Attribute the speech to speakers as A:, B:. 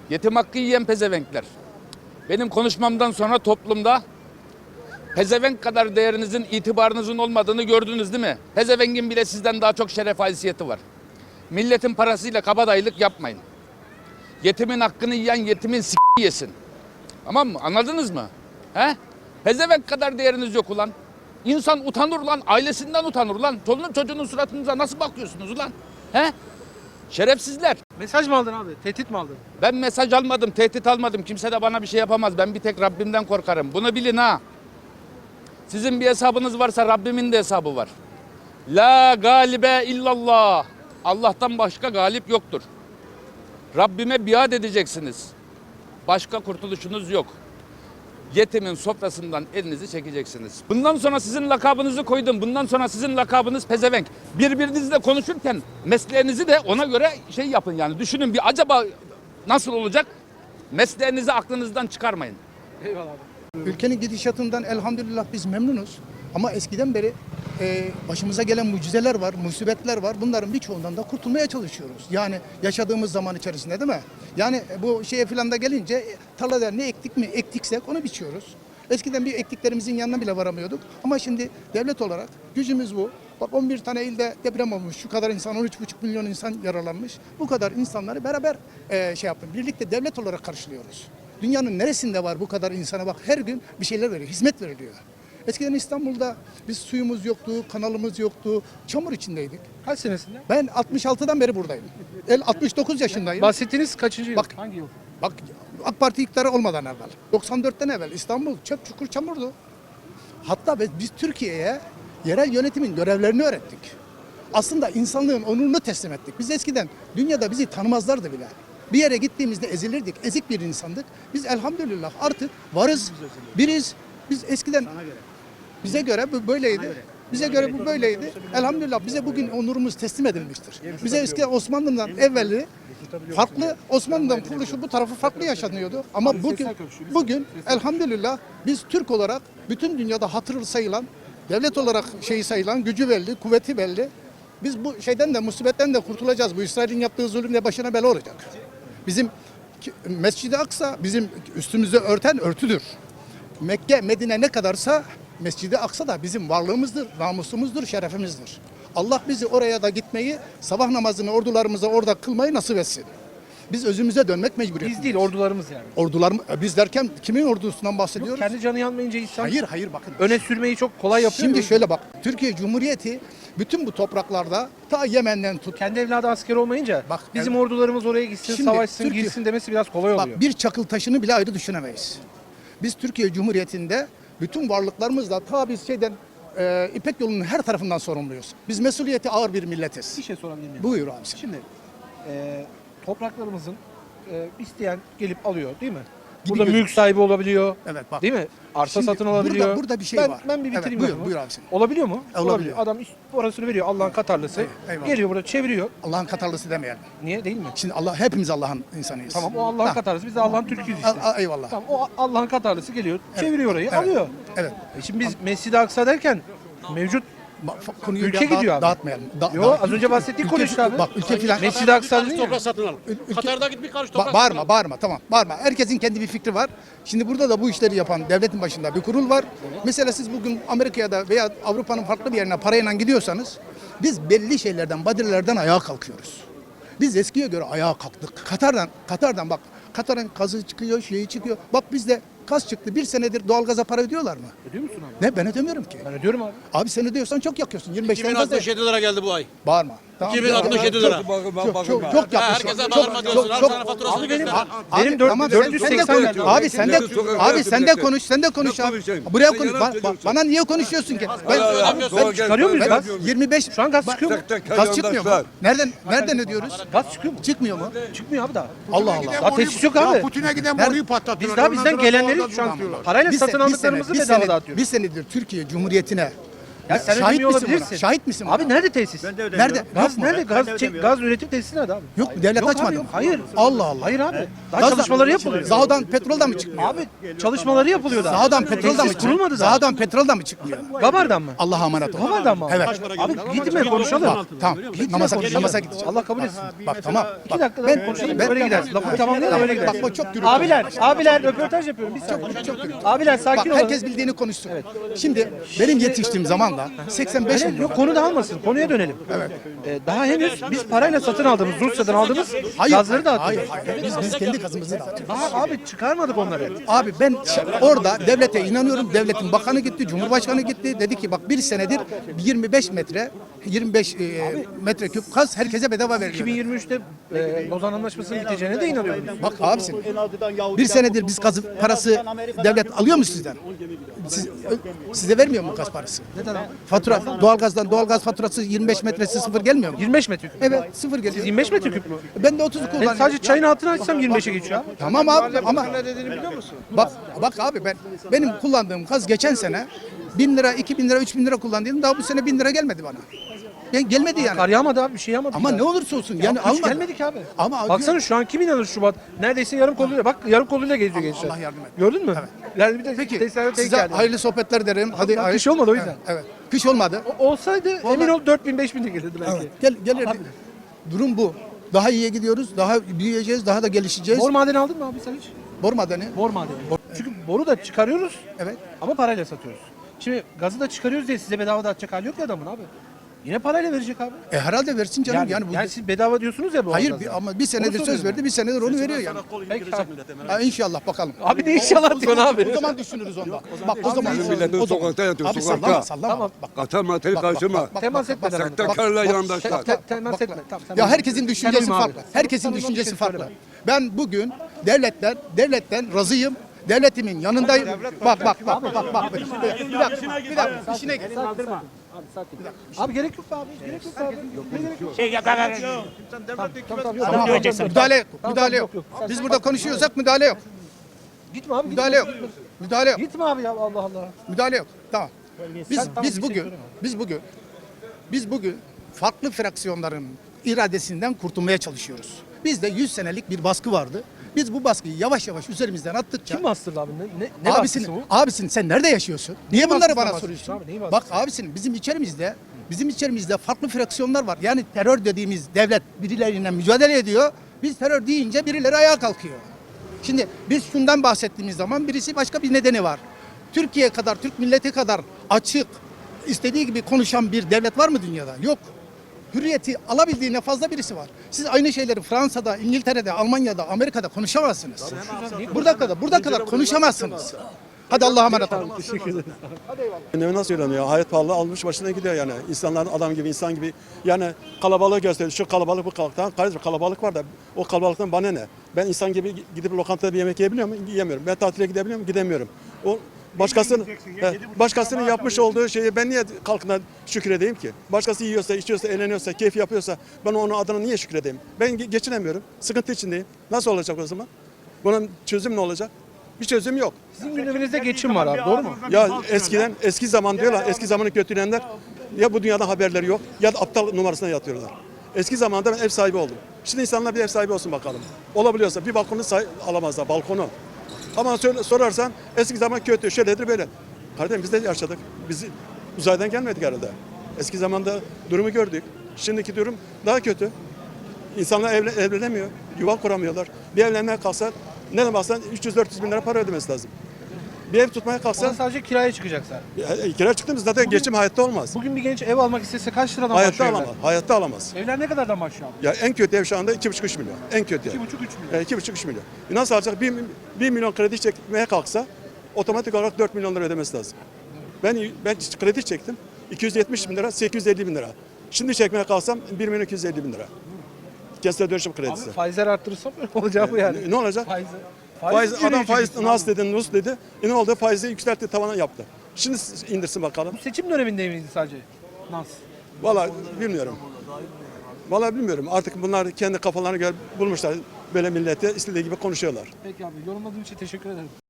A: Yetim hakkı yiyen pezevenkler. Benim konuşmamdan sonra toplumda pezevenk kadar değerinizin, itibarınızın olmadığını gördünüz değil mi? Pezevengin bile sizden daha çok şeref haysiyeti var. Milletin parasıyla kabadayılık yapmayın. Yetimin hakkını yiyen yetimin yesin. Tamam mı? Anladınız mı? He? Pezevenk kadar değeriniz yok ulan. İnsan utanır lan, ailesinden utanır lan. Çoluğun çocuğunun suratınıza nasıl bakıyorsunuz ulan? He? Şerefsizler.
B: Mesaj mı aldın abi? Tehdit mi aldın?
A: Ben mesaj almadım, tehdit almadım. Kimse de bana bir şey yapamaz. Ben bir tek Rabbimden korkarım. Bunu bilin ha. Sizin bir hesabınız varsa Rabbimin de hesabı var. La galibe illallah. Allah'tan başka galip yoktur. Rabbime biat edeceksiniz. Başka kurtuluşunuz yok. Yetimin sofrasından elinizi çekeceksiniz. Bundan sonra sizin lakabınızı koydum. Bundan sonra sizin lakabınız pezevenk. Birbirinizle konuşurken mesleğinizi de ona göre şey yapın yani. Düşünün bir acaba nasıl olacak? Mesleğinizi aklınızdan çıkarmayın.
B: Eyvallah abi.
C: Ülkenin gidişatından elhamdülillah biz memnunuz. Ama eskiden beri başımıza gelen mucizeler var, musibetler var. Bunların birçoğundan da kurtulmaya çalışıyoruz. Yani yaşadığımız zaman içerisinde değil mi? Yani bu şeye filan da gelince tarlada ne ektik mi ektiksek onu biçiyoruz. Eskiden bir ektiklerimizin yanına bile varamıyorduk. Ama şimdi devlet olarak gücümüz bu. Bak 11 tane ilde deprem olmuş. Şu kadar insan, 13,5 milyon insan yaralanmış. Bu kadar insanları beraber şey yapın. Birlikte devlet olarak karşılıyoruz. Dünyanın neresinde var bu kadar insana bak her gün bir şeyler veriyor, hizmet veriliyor. Eskiden İstanbul'da biz suyumuz yoktu, kanalımız yoktu, çamur içindeydik.
B: Kaç senesinde?
C: Ben 66'dan beri buradayım. 69 yaşındayım.
B: Bahsettiğiniz kaçıncı yıl?
C: Bak.
B: Hangi yıl?
C: Bak AK Parti iktidarı olmadan evvel, 94'ten evvel İstanbul çöp çukur çamurdu. Hatta biz Türkiye'ye yerel yönetimin görevlerini öğrettik. Aslında insanlığın onurunu teslim ettik. Biz eskiden dünyada bizi tanımazlardı bile. Bir yere gittiğimizde ezilirdik, ezik bir insandık. Biz elhamdülillah artık varız, biriz. Biz eskiden bize göre bu böyleydi. Bize göre bu böyleydi. Elhamdülillah bize bugün onurumuz teslim edilmiştir. Bize eskiden Osmanlı'dan evveli farklı, Osmanlı'dan kuruluşu bu tarafı farklı yaşanıyordu. Ama bugün elhamdülillah biz Türk olarak bütün dünyada hatırı sayılan, devlet olarak şeyi sayılan, gücü belli, kuvveti belli. Biz bu şeyden de musibetten de kurtulacağız. Bu İsrail'in yaptığı zulümle başına bela olacak. Bizim Mescid-i Aksa bizim üstümüzü örten örtüdür. Mekke, Medine ne kadarsa Mescid-i Aksa da bizim varlığımızdır, namusumuzdur, şerefimizdir. Allah bizi oraya da gitmeyi, sabah namazını ordularımıza orada kılmayı nasip etsin. Biz özümüze dönmek mecburiyetindeyiz.
B: Biz değil, ordularımız yani.
C: Biz derken kimin ordusundan bahsediyoruz?
B: Kendi canı yanmayınca insan
C: Hayır bakın.
B: öne sürmeyi çok kolay yapıyor.
C: Şimdi
B: mu?
C: şöyle bak, Türkiye Cumhuriyeti bütün bu topraklarda ta Yemen'den tut.
B: Kendi evladı asker olmayınca
C: Bak,
B: bizim ordularımız oraya gitsin,
C: Şimdi
B: savaşsın,
C: Türkiye-
B: girsin demesi biraz kolay oluyor.
C: Bak bir çakıl taşını bile ayrı düşünemeyiz. Biz Türkiye Cumhuriyeti'nde bütün varlıklarımızla ta biz İpek yolunun her tarafından sorumluyuz. Biz mesuliyeti ağır bir milletiz.
B: Bir şey sorabilir miyim?
C: Buyur abi.
B: Şimdi topraklarımızın isteyen gelip alıyor değil mi? Burada
C: gözü-
B: mülk sahibi olabiliyor.
C: Evet bak.
B: Değil mi? Arsa
C: Şimdi
B: satın alabiliyor.
C: burada bir şey
B: ben,
C: var.
B: Ben bir bitireyim.
C: Evet,
B: lafımı.
C: buyur abi sen.
B: Olabiliyor mu?
C: Olabiliyor.
B: Adam orasını veriyor Allah'ın Katarlısı.
C: Eyvallah.
B: Geliyor burada çeviriyor.
C: Allah'ın Katarlısı demeyelim.
B: Niye değil mi?
C: Şimdi hepimiz Allah'ın insanıyız.
B: Tamam o Allah'ın
C: Ha,
B: Katarlısı. Biz de Allah'ın Türk'üyüz işte.
C: Eyvallah.
B: Tamam o Allah'ın Katarlısı geliyor. Çeviriyor orayı
C: Evet.
B: alıyor.
C: Evet.
B: Şimdi biz Mescid-i Aksa derken mevcut
C: Konuyu
B: Ülke
C: bir
B: gidiyor abi.
C: dağıtmayalım.
B: Yo, az önce bahsettiğin konu işte abi.
C: Bak ülke filan.
B: Mescid-i Aksa dedin ya.
D: Toprak satın al. Katar'da git bir karış toprak
C: Bağırma tamam bağırma. Herkesin kendi bir fikri var. Şimdi burada da bu işleri yapan devletin başında bir kurul var. Mesela siz bugün Amerika'ya da veya Avrupa'nın farklı bir yerine parayla gidiyorsanız biz belli şeylerden, badirelerden ayağa kalkıyoruz. Biz eskiye göre ayağa kalktık. Katar'dan bak. Katar'ın gazı çıkıyor, şeyi çıkıyor. Bak bizde gaz çıktı. Bir senedir doğalgaza para ödüyorlar mı?
B: Ödüyor musun abi?
C: Ne ben ödemiyorum ki.
B: Ben ödüyorum abi.
C: Abi sen ödüyorsan çok yakıyorsun. 25 tane gaz.
D: 2067 lira geldi bu ay.
C: Bağırma. Tamam.
D: 2067 lira.
C: Çok yapmışsın.
D: Herkese bağırma diyorsun. Abi sana faturasını
B: Abi benim
D: göster.
B: benim 480
C: konuş. Abi sen de konuş abi. Buraya konuş. Bana niye konuşuyorsun ki? Ben
B: çıkarıyor muyuz gaz?
C: 25
B: Şu an gaz çıkıyor mu?
C: gaz çıkmıyor mu? Nereden ödüyoruz?
B: Gaz çıkıyor mu?
C: Çıkmıyor mu?
B: Çıkmıyor abi daha.
C: Allah Allah.
B: Daha tesis yok abi.
E: Putin'e giden
C: Nerede?
E: boruyu patlattılar.
B: Biz daha bizden
E: Ondan sonra
B: gelenleri
E: doğalgaz
B: şu an
E: bulamıyorlar.
B: parayla satın aldıklarımızı bedava dağıtıyoruz.
C: Bir senedir Türkiye Cumhuriyeti'ne
B: Ya sen
C: şahit
B: ödemiyor
C: misin buna?
B: olabilirsin.
C: Şahit misin
B: Abi
C: buna?
B: nerede tesis?
C: Nerede?
B: Gaz
C: Yok mu?
B: nerede? Gaz üretim tesisi nerede abi?
C: Yok mu? Devlet
B: Yok
C: açmadı
B: abi,
C: mı?
B: yok. Hayır.
C: Allah Allah.
B: Hayır abi. Daha
C: Gaz-
B: çalışmaları yapılıyor.
C: Zaho'dan petrol da mı çıkmıyor?
B: Abi çalışmaları yapılıyor daha.
C: Zaho'dan petrol da mı
B: Tesis kurulmadı
C: çıkmıyor?
B: daha.
C: Zaho'dan petrol da mı çıkmıyor?
B: Gabar'dan mı?
C: Allah'a emanet ol.
B: Gabar'dan mı?
C: Evet.
B: Abi gitme konuşalım.
C: Bak, tamam. Namaza gideceğim.
B: Allah kabul etsin.
C: Bak tamam.
B: 2 dakika daha konuşalım. Öyle gidersin. Lafı tamamlayalım öyle gidersin.
C: Bak o çok gürültü.
B: Abiler röportaj yapıyorum. Biz çok Abiler sakin
C: Bak
B: olun.
C: herkes bildiğini konuşsun. Şimdi benim yetiştiğim zamanda 85
B: Öyle,
C: milyon.
B: yok konu dağılmasın. Konuya dönelim. Evet. Daha henüz biz parayla satın aldığımız, Rusya'dan aldığımız gazları da attık.
C: Hayır. Biz kendi gazımızı dağıtıyoruz.
B: Abi çıkarmadık onları.
C: Abi ben orada devlete inanıyorum. Devletin bakanı gitti, cumhurbaşkanı gitti. Dedi ki bak bir senedir 25 metreküp gaz herkese bedava veriliyor.
B: 2023'te Lozan Anlaşması'nın biteceğine de inanıyorum.
C: Bak abisin. Bir senedir biz gaz parası devlet alıyor mu sizden? Size vermiyor mu gaz parası?
B: Neden abi?
C: Fatura doğalgaz faturası 25 metresi sıfır gelmiyor mu?
B: 25 metreküp.
C: Evet sıfır geliyor.
B: 25 metreküp mü?
C: Ben de 30'u kullanıyorum.
B: Sadece çayın altını açsam 25'e geçiyor abi.
C: Tamam abi ama
B: Ne dediğini biliyor musun?
C: bak abi benim kullandığım gaz geçen sene 1000 lira, 2000 lira, 3000 lira kullandıydım. Daha bu sene 1000 lira gelmedi bana. Gelmedi yani.
B: Kar yağmadı abi bir şey yağmadı.
C: Ama
B: ya.
C: ne olursa olsun yani
B: Hiç
C: almadı.
B: gelmedik abi.
C: Ama
B: Baksana şu an kim inanır Şubat? Neredeyse yarım koluyla. Bak yarım koluyla geziyor gençler.
C: Allah yardım et.
B: Gördün mü? Yani bir de
C: Peki
B: tesislere denk
C: size
B: geldi.
C: hayırlı sohbetler derim. Hadi
B: Ya, kış olmadı o yüzden.
C: Evet. Kış olmadı.
B: Olsaydı emin ol 4000-5000'e gelirdi belki.
C: Evet. Gelirdi. Durum bu. Daha iyiye gidiyoruz. Daha büyüyeceğiz. Daha da gelişeceğiz.
B: Bor madeni aldın mı abi sen hiç?
C: Bor madeni.
B: Bor madeni. Çünkü boru da çıkarıyoruz
C: Evet.
B: ama parayla satıyoruz. Şimdi gazı da çıkarıyoruz diye size bedava dağıtacak hali yok ya adamın abi. Yine parayla verecek abi.
C: Herhalde versin canım. Yani, bu
B: siz bedava diyorsunuz ya bu
C: hayır
B: gazdan.
C: ama bir senedir söz verdi. Bir senedir onu veriyor yani.
B: Peki abi.
C: Ha, inşallah bakalım.
B: Abi ne inşallah diyorsun abi.
C: O zaman düşünürüz onda. Bak o zaman.
E: Milletin
C: o zaman.
E: sokakta yatıyor,
C: Abi
E: sokakta.
C: sallama sallama.
B: Tamam.
C: Bak,
E: Katar materi karşıma.
B: Temas etme beraber.
E: Sahtekarla yandaşlar.
B: Temas etme. Tamam, sen
C: Ya
B: uyma.
C: herkesin
B: Sen
C: düşüncesi
B: uyma abi.
C: farklı. Herkesin
B: Sen uyma,
C: düşüncesi
B: bir şey
C: farklı.
B: söyleme.
C: Ben bugün devletten razıyım. Devletimin yanındayım. Bak. Bir dakika. İşine gel.
B: Abi gerek yok abi. Gerek yok abi. Gerek yok.
C: Tamam. Müdahale yok. Biz burada konuşuyorsak müdahale yok.
B: Gitme abi.
C: Müdahale yok. Müdahale yok.
B: Gitme abi ya Allah Allah.
C: Müdahale yok. Tamam.
B: Tamam, bir şey
C: Biz bugün farklı fraksiyonların iradesinden kurtulmaya çalışıyoruz. Bizde 100 senelik bir baskı vardı. Biz bu baskıyı yavaş yavaş üzerimizden attıkça
B: Kim bastırdı abi? Ne baskısı bu?
C: abisin sen nerede yaşıyorsun? Niye bunları
B: baskısından
C: bana
B: bahsediyorsun
C: soruyorsun?
B: abi, neyi
C: Bak
B: baskısı?
C: abisin bizim içerimizde farklı fraksiyonlar var. Yani terör dediğimiz devlet birileriyle mücadele ediyor. Biz terör deyince birileri ayağa kalkıyor. Şimdi biz şundan bahsettiğimiz zaman birisi başka bir nedeni var. Türkiye kadar, Türk milleti kadar açık, istediği gibi konuşan bir devlet var mı dünyada? Yok. Hürriyeti alabildiğine fazla birisi var. Siz aynı şeyleri Fransa'da, İngiltere'de, Almanya'da, Amerika'da konuşamazsınız. Burada kadar konuşamazsınız. Hadi Allah'a emanet olun.
F: Ne nasıl söyleniyor? Hayat pahalı almış başına gidiyor yani. İnsanların adam gibi, insan gibi. Yani kalabalığı gösteriyor. Şu kalabalık bu kalabalık. Kardeşim kalabalık var da o kalabalıktan bana ne? Ben insan gibi gidip lokantada bir yemek yiyebiliyor muyum? Yiyemiyorum. Ben tatile gidebiliyor muyum? Gidemiyorum. O başkasının yapmış olduğu şeyi ben niye kalkına şükredeyim ki? Başkası yiyorsa, içiyorsa, eğleniyorsa, keyif yapıyorsa ben onun adına niye şükredeyim? Ben geçinemiyorum. Sıkıntı içindeyim. Nasıl olacak o zaman? Bunun çözüm ne olacak? Bir çözüm yok.
B: Sizin gündeminizde geçim var abi doğru mu?
F: Ya eski zaman diyorlar, eski zamanı kötüleyenler ya bu dünyada haberleri yok ya da aptal numarasına yatıyorlar. Eski zamanda ben ev sahibi oldum. Şimdi insanlar bir ev sahibi olsun bakalım. Olabiliyorsa bir balkonu alamazlar, balkonu. Ama sorarsan eski zaman kötü, şöyledir böyle. Kardeşim biz de yaşadık. Biz uzaydan gelmedik herhalde. Eski zamanda durumu gördük. Şimdiki durum daha kötü. İnsanlar evlenemiyor, yuva kuramıyorlar. Bir evlenmeye kalksa ne baksan 300-400 bin lira para ödemesi lazım. Bir ev tutmaya
B: Sen
F: kalksa
B: sadece kiraya çıkacaksan.
F: kira çıktığımız zaten geçim hayatta olmaz.
B: Bugün bir genç ev almak istese kaç liradan
F: Hayatta
B: başlıyor
F: alamaz.
B: evler?
F: Hayatta alamaz.
B: Evler ne kadardan başlıyor abi?
F: Ya en kötü ev şu anda 2,5-3 milyon. En kötü ev.
B: 2,5-3 milyon.
F: 2,5-3 milyon. Nasıl alacak? 1 milyon kredi çekmeye kalksa otomatik olarak 4 milyon lira ödemesi lazım. Ben kredi çektim. 270 bin lira, 850 bin lira. Şimdi çekmeye kalksam 1 milyon 250 bin lira. Kentsel dönüşüm kredisi.
B: Abi faizler arttırırsam ne olacak bu yani?
F: Ne olacak?
B: Faiz
F: Adam faiz
B: yürüyecek
F: nas dedi, nus dedi. Ne oldu? Faizi yükseltti, tavana yaptı. Şimdi indirsin bakalım.
B: Bu seçim döneminde miydi sadece? Nasıl?
F: Vallahi bilmiyorum. Vallahi bilmiyorum. Artık bunlar kendi kafalarına göre bulmuşlar. Böyle millete istediği gibi konuşuyorlar.
B: Peki abi yorumladığın için teşekkür ederim.